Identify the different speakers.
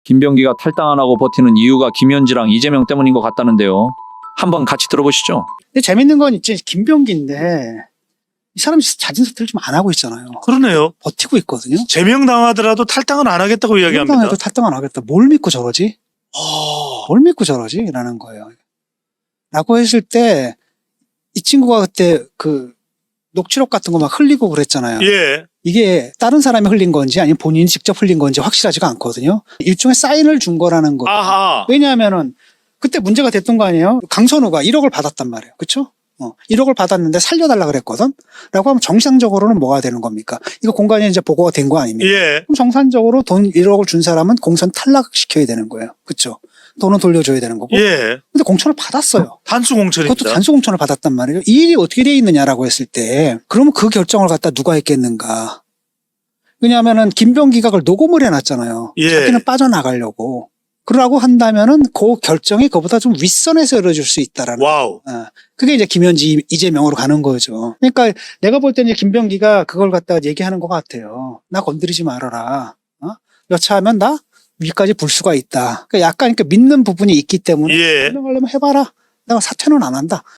Speaker 1: 김병기가 탈당 안 하고 버티는 이유가 김현지랑 이재명 때문인 것 같다는데요. 한번 같이 들어보시죠.
Speaker 2: 근데 재밌는 건 이제 김병기인데 이 사람이 자진 사퇴를 좀 안 하고 있잖아요.
Speaker 3: 그러네요.
Speaker 2: 버티고 있거든요.
Speaker 3: 제명당하더라도 탈당은 안 하겠다고 이야기합니다.
Speaker 2: 탈당해도 탈당 안 하겠다. 뭘 믿고 저러지?
Speaker 3: 어,
Speaker 2: 뭘 믿고 저러지? 라는 거예요. 라고 했을 때 이 친구가 그때 그 녹취록 같은 거 막 흘리고 그랬잖아요.
Speaker 3: 예.
Speaker 2: 이게 다른 사람이 흘린 건지 아니면 본인이 직접 흘린 건지 확실하지가 않거든요. 일종의 사인을 준 거라는 거.
Speaker 3: 아하.
Speaker 2: 왜냐하면은 그때 문제가 됐던 거 아니에요? 강선우가 1억을 받았단 말이에요. 그렇죠? 1억을 받았는데 살려달라 그랬거든? 라고 하면 정상적으로는 뭐가 되는 겁니까? 이거 공간에 이제 보고가 된 거 아닙니까?
Speaker 3: 예.
Speaker 2: 그럼 정상적으로 돈 1억을 준 사람은 공천 탈락시켜야 되는 거예요. 그렇죠? 돈은 돌려줘야 되는 거고.
Speaker 3: 예.
Speaker 2: 근데 공천을 받았어요.
Speaker 3: 단수 공천입니다.
Speaker 2: 그것도 단수 공천을 받았단 말이에요. 이 일이 어떻게 돼 있느냐라고 했을 때 그러면 그 결정을 갖다 누가 했겠는가? 왜냐하면은 김병기가 그걸 녹음을 해놨잖아요.
Speaker 3: 예.
Speaker 2: 자기는 빠져나가려고. 그러라고 한다면은 그 결정이 그보다 좀 윗선에서 이루어질 수 있다라는.
Speaker 3: 와우.
Speaker 2: 그게 이제 김현지 이재명으로 가는 거죠. 그러니까 내가 볼 때는 김병기가 그걸 갖다가 얘기하는 것 같아요. 나 건드리지 말아라. 여차하면 나 위까지 불 수가 있다. 그러니까 약간 믿는 부분이 있기 때문에
Speaker 3: 예.
Speaker 2: 설명하려면 해봐라. 내가 사퇴는 안 한다.